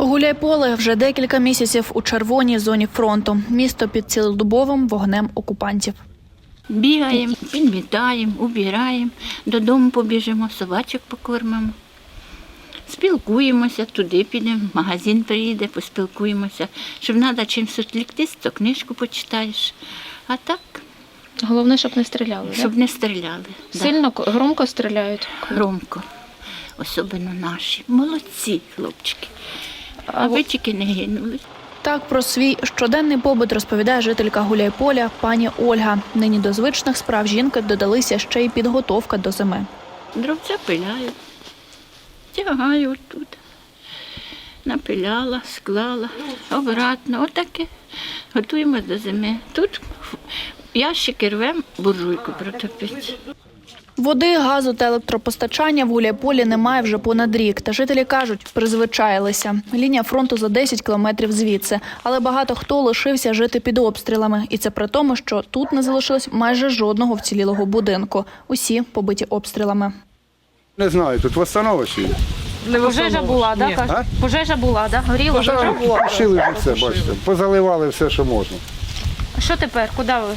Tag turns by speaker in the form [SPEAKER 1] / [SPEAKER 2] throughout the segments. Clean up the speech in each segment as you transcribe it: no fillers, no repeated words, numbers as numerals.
[SPEAKER 1] Гуляйполе вже декілька місяців у червоній зоні фронту. Місто під цілодобовим вогнем окупантів.
[SPEAKER 2] Бігаємо, підмітаємо, убираємо, додому побіжимо, собачок покормимо. Спілкуємося, туди підемо, в магазин приїде, поспілкуємося. Щоб треба чимось відвліктись, то книжку почитаєш. А так,
[SPEAKER 3] Головне, щоб не стріляли,
[SPEAKER 2] щоб не стріляли.
[SPEAKER 3] Сильно, громко стріляють?
[SPEAKER 2] Громко. Особливо наші. Молодці хлопчики. А ви тільки не гинули.
[SPEAKER 1] Так про свій щоденний побут розповідає жителька Гуляйполя пані Ольга. Нині до звичних справ жінки додалися ще й підготовка до зими.
[SPEAKER 2] Дровця пиляю, тягаю тут. Напиляла, склала, обратно, отаке. Готуємо до зими. Тут ящики рвемо, буржуйку протопити.
[SPEAKER 1] Води, газу та електропостачання в Гуляйполі немає вже понад рік. Та жителі кажуть, призвичаїлися. Лінія фронту за 10 кілометрів звідси. Але багато хто лишився жити під обстрілами. І це при тому, що тут не залишилось майже жодного вцілілого будинку. Усі побиті обстрілами.
[SPEAKER 4] Не знаю, тут восстановище.
[SPEAKER 3] Пожежа була, так? Пожежа була, так? Горіло?
[SPEAKER 4] Пошили вже все, бачите. Позаливали все, що можна.
[SPEAKER 3] А що тепер? Куди ви?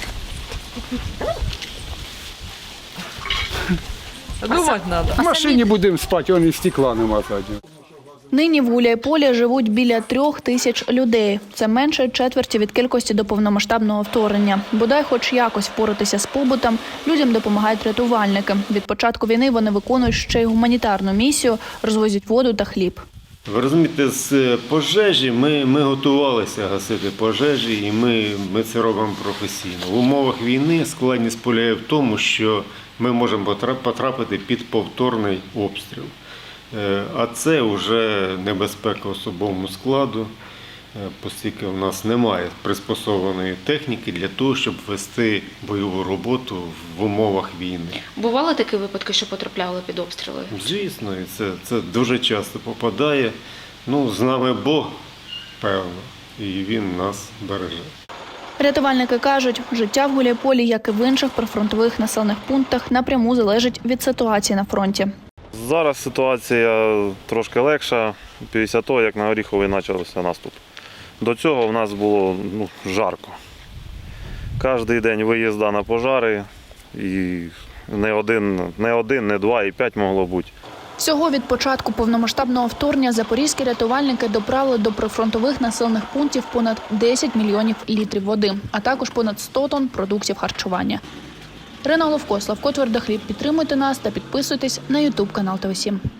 [SPEAKER 5] Думати треба.
[SPEAKER 4] В машині будемо спати, вон і стекла нема заднього.
[SPEAKER 1] Нині в Гуляйполі живуть біля 3000 людей. Це менше четверті від кількості до повномасштабного вторгнення. Бодай хоч якось впоратися з побутом, людям допомагають рятувальники. Від початку війни вони виконують ще й гуманітарну місію, розвозять воду та хліб.
[SPEAKER 6] Ви розумієте, з пожежі ми готувалися гасити пожежі, і ми це робимо професійно. В умовах війни складність полягає в тому, що ми можемо потрапити під повторний обстріл. А це вже небезпека особовому складу, оскільки в нас немає приспособленої техніки для того, щоб вести бойову роботу в умовах війни.
[SPEAKER 3] Бували такі випадки, що потрапляли під обстріли?
[SPEAKER 6] Звісно, і це дуже часто попадає. З нами Бог, певно, і Він нас береже.
[SPEAKER 1] Рятувальники кажуть, життя в Гуляйполі, як і в інших прифронтових населених пунктах, напряму залежить від ситуації на фронті.
[SPEAKER 7] Зараз ситуація трошки легша після того, як на Оріховий почався наступ. До цього в нас було жарко. Кожен день виїзда на пожари, і не один, не два, і 5 могло бути.
[SPEAKER 1] Всього від початку повномасштабного вторгнення запорізькі рятувальники доправили до прифронтових населених пунктів понад 10 мільйонів літрів води, а також понад 100 тонн продуктів харчування. Ірина Головко, Славко Твердохліб. Підтримуйте нас та підписуйтесь на YouTube канал ТВ7.